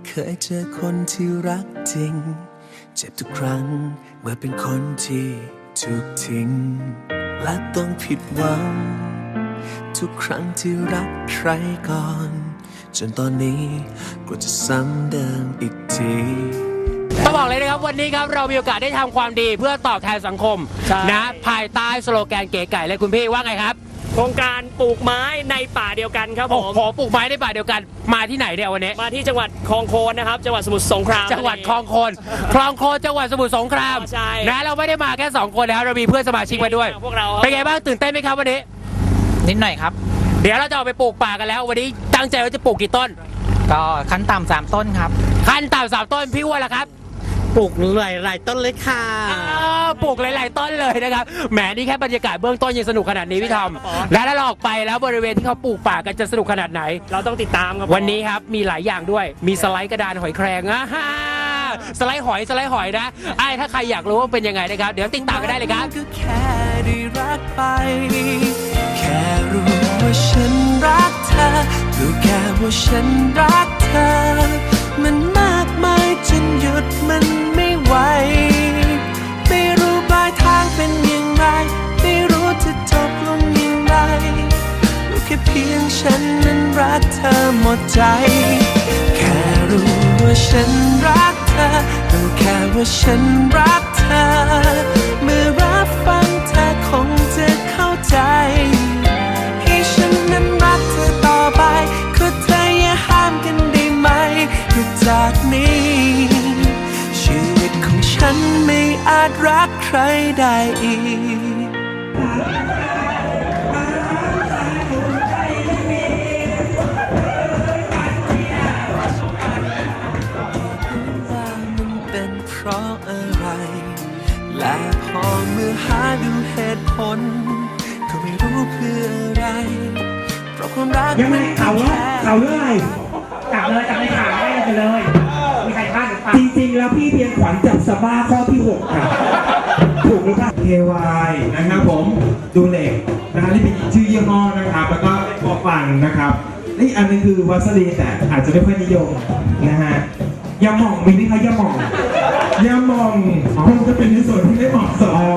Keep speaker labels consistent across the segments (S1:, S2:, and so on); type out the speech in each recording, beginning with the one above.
S1: เคยเจอคนที่รักจริงเจ็บทุกครั้งเมื่อเป็นคนที่ถูกทิ้งและต้องผิดหวังทุกครั้งที่รักใครก่อนจนตอนนี้กลัวจะซ้ำเดิมอีกที
S2: ต้องบอกเลยนะครับวันนี้ครับเรามีโอกาสได้ทำความดีเพื่อตอบแทนสังคมนะภายใต้สโลแกนเก๋ไก่เลยคุณพี่ว่าไงครับ
S3: โครงการปลูกไม้ในป่าเดียวกันครับผม
S2: ขอปลูกไม้ในป่าเดียวกันมาที่ไหนเนี่ยวันนี้
S3: มาที่จังหวัดคลองโคนนะครับจังหวัดสมุทรสงคราม
S2: จังหวัดคลองโคนจังหวัดสมุทรสงคราม
S3: ใช่
S2: นะเราไม่ได้มาแค่2คนแล้วเรามีเพื่อนสมาชิกมาด้วย
S3: พวกเรา
S2: เป็นไงบ้างตื่นเต้นไหมครับวันนี้
S4: นิดหน่อยครับ
S2: เดี๋ยวเราจะออกไปปลูกป่ากันแล้ววันนี้ตั้งใจว่าจะปลูกกี่ต้น
S4: ก็ขั้นต่ำ3ต้นครับ
S2: ขั้นต่ำ3ต้นพี่ว่าล่ะครับ
S5: ปลูกหลายต้นเลยค่ะ
S2: ปลูกหลายๆต้นเลยนะครับแหมนี่แค่บรรยากาศเบื้องต้นยังสนุกขนาดนี้พี่ทอมและถ้าเราออกไปแล้วบริเวณที่เขาปลูกป่ากันจะสนุกขนาดไหน
S3: เราต้องติดตามครับ
S2: วันนี้ครับมีหลายอย่างด้วยมีสไลด์กระดานหอยแครงสไลด์หอยนะถ้าใครอยากรู้ว่าเป็นยังไงนะครับเดี๋ยวติดตามกันได้เลยครับ
S1: ก็แค่ได้รักไปแค่รู้ว่าฉันรักเธอรู้แค่ว่าฉันรักเธอมันมากมายจนหยุดมันไม่ไหวไม่รู้ปลายทางเป็นอย่างไรไม่รู้จะจบลงอย่างไรรู้แค่เพียงฉันนั้นรักเธอหมดใจแค่รู้ว่าฉันรักเธอรู้แค่ว่าฉันรักเธอเมื่อรับฟังเธอคงจะเข้าใจให้ฉันนั้นรักเธอต่อไปขอเธออย่าห้ามกันได้ไหมจากนี้ชีวิตของฉันไม่อาจรักใครได้อีกว่ามันเป็นเพราะอะไรและพอเมื่อหาดูเหตุผลก็ไม่รู้เพื่ออะไรเพราะความรัก
S5: ยังไม่ข่าวเรื่องอะไรจับเลยข่าวได้ไปเลยมีใครพลาดหรือเปล่าจริงๆแล้วพี่เพียงขวัญจับสบ้าข้อที่6ค่ะถูกหรือเปล่า KY นะครับผมดูเหล็กนะครับนี่เป็นชื่อยี่ห้อนะครับแล้วก็ปอฟันนะครับนี่อันนึงคือวัสลีแต่อาจจะไม่ค่อยนิยมนะฮะยาหม่องมีไหมคะยาหม่องคงจะเป็นในส่วนที่ไม่เหมาะสม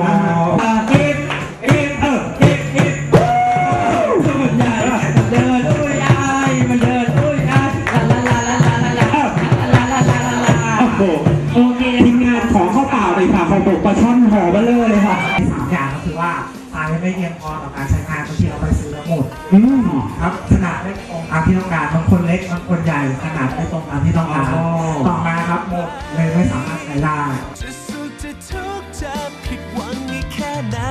S5: ปลาช่อนห่อเบลเลอร์เลยค่ะ3อย่างก็คือว่าทรายไม่เพียงพอต่อการใช้งานบางทีเราไปซื้อแล้วหมดครับขนาดไม่ตรงตามที่ต้องการบางคนเล็กบางคนใหญ่ขนาดไม่ตรงตามที่ต้องการต่อมาครับหมดเลยไม่สามารถใช้ได้
S1: จะสุขจะทุกข์จะผิดหวังอีกแค่ไหน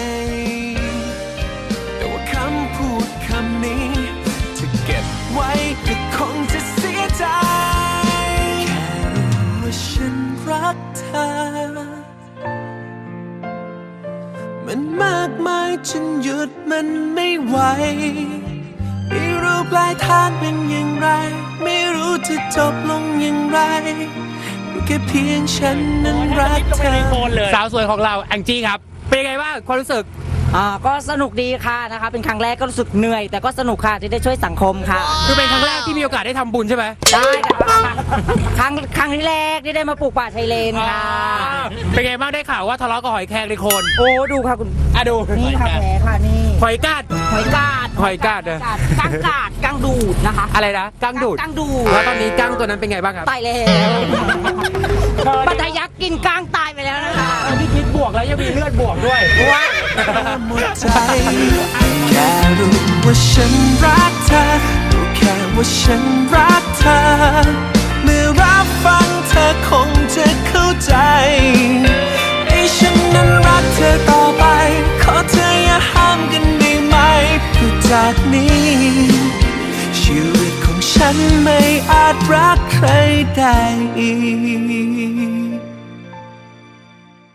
S1: แต่ว่าคำพูดคำนี้จะเก็บไว้ก็คงจะเสียใจแค่รู้ว่าฉันรักเธอมันมากมายจนหยุดมันไม่ไหวไม่รู้ปลายทางเป็นอย่างไรไม่รู้จะจบลงอย่างไรรู้แค่เพียงฉันนั้นรักเธอ
S2: สาวสวยของเราแองจี้ครับเป็นยังไงบ้างความรู้สึก
S4: ก็สนุกดีค่ะนะคะเป็นครั้งแรกก็รู้สึกเหนื่อยแต่ก็สนุกค่ะที่ได้ช่วยสังคมค่ะ
S2: คือเป็นครั้งแรกที่มีโอกาสได้ทำบุญใช่ไหม
S4: ได้ครั้งที่แรกที่ได้มาปลูกป่าชายเลนค่ะ
S2: เป็นไงบ้างได้ข่าวว่าทะเลาะกับหอยแครงในโคน
S4: โอ้ดูค่ะคุณ
S2: ดู
S4: นี่ค่ะแผลค่ะนี่
S2: หอยกาด
S4: เลยกั้งดูดนะคะ
S2: อะไรนะกั้งดูดแล้วตอนนี้กั้งตัวนั้นเป็นไงบ้างครับ
S4: ตายแล้วปัทยักกินกั้งตายไปแล้วนะคะ
S2: ที่พิษบวกแล้วยังมีเลือดบวกด้วยว้า
S1: หมดใจแค่รู้ว่าฉันรักเธอรู้แค่ว่าฉันรักเธอเมื่อรับฟังเธอคงจะเข้าใจให้ฉันนั้นรักเธอต่อไปขอเธออย่าห้ามกันได้ไหมเพราะจากนี้ชีวิตของฉันไม่อาจรักใครได้อีก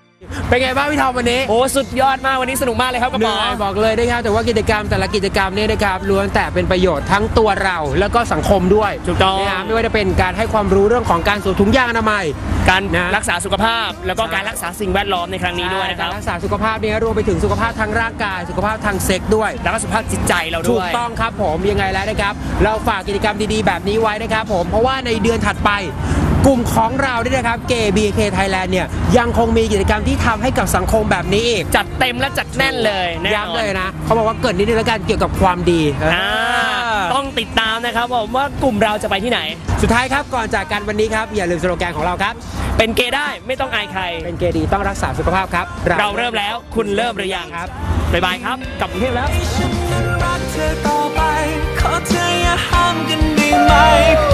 S2: เป็นไงบ้างพี่ทอมวันนี้
S3: โอ้สุดยอดมากวันนี้สนุกมากเลยครับกระ
S2: เห
S3: ป๋อ
S2: นื่อยบอกเลยนะครับแต่ว่ากิจกรรมแต่ละกิจกรรมเนี่ยนะครับล้วนแต่เป็นประโยชน์ทั้งตัวเราแล้วก็สังคมด้วย
S3: ถูกต้อง
S2: นะฮะไม่ว่าจะเป็นการให้ความรู้เรื่องของการสวมถุงยางอนามัย
S3: การ
S2: นะ
S3: รักษาสุขภาพ แล้วก็
S2: ใช่
S3: การรักษาสิ่งแวดล้อมในครั้งนี้ด้วยนะครับ
S2: การรักษาสุขภาพเนี่ยรวมไปถึงสุขภาพทางร่างกายสุขภาพทางเซ็กส์ด้วย
S3: แล้วก็สุขภาพจิตใจเรา
S2: ถู
S3: ด้
S2: ก
S3: วย
S2: ต้องครับผมยังไงแล้วนะครับเราฝากกิจกรรมดีๆแบบนี้ไว้นะครับผมเพราะว่าในเดือนถัดไปกลุ่มของเราเนี่ยนะครับ BK Thailand เนี่ยยังคงมีกิจกรรมที่ทำให้กับสังคมแบบนี้อีก
S3: จัดเต็มและจัดแน่นเลยแน่นอน
S2: ย้ำเลยนะเขาบอกว่าเกิดนิดนึงแล้วกันเกี่ยวกับความดี
S3: ต้องติดตามนะครับผมว่ากลุ่มเราจะไปที่ไหน
S2: สุดท้ายครับก่อนจากกันวันนี้ครับอย่าลืมสโลแกนของเราครับ
S3: เป็นเกย์ได้ไม่ต้องอายใคร
S2: เป็นเกย์ดีต้องรักษาสุขภาพครับ
S3: เราเริ่มแล้วคุณเริ่มหรือยัง
S2: ครับ
S3: บ๊ายบายครับกลับกรุงเทพแล้ว
S1: รักเธอต่อไปขอเธออย่าห้ามกันได้ไหม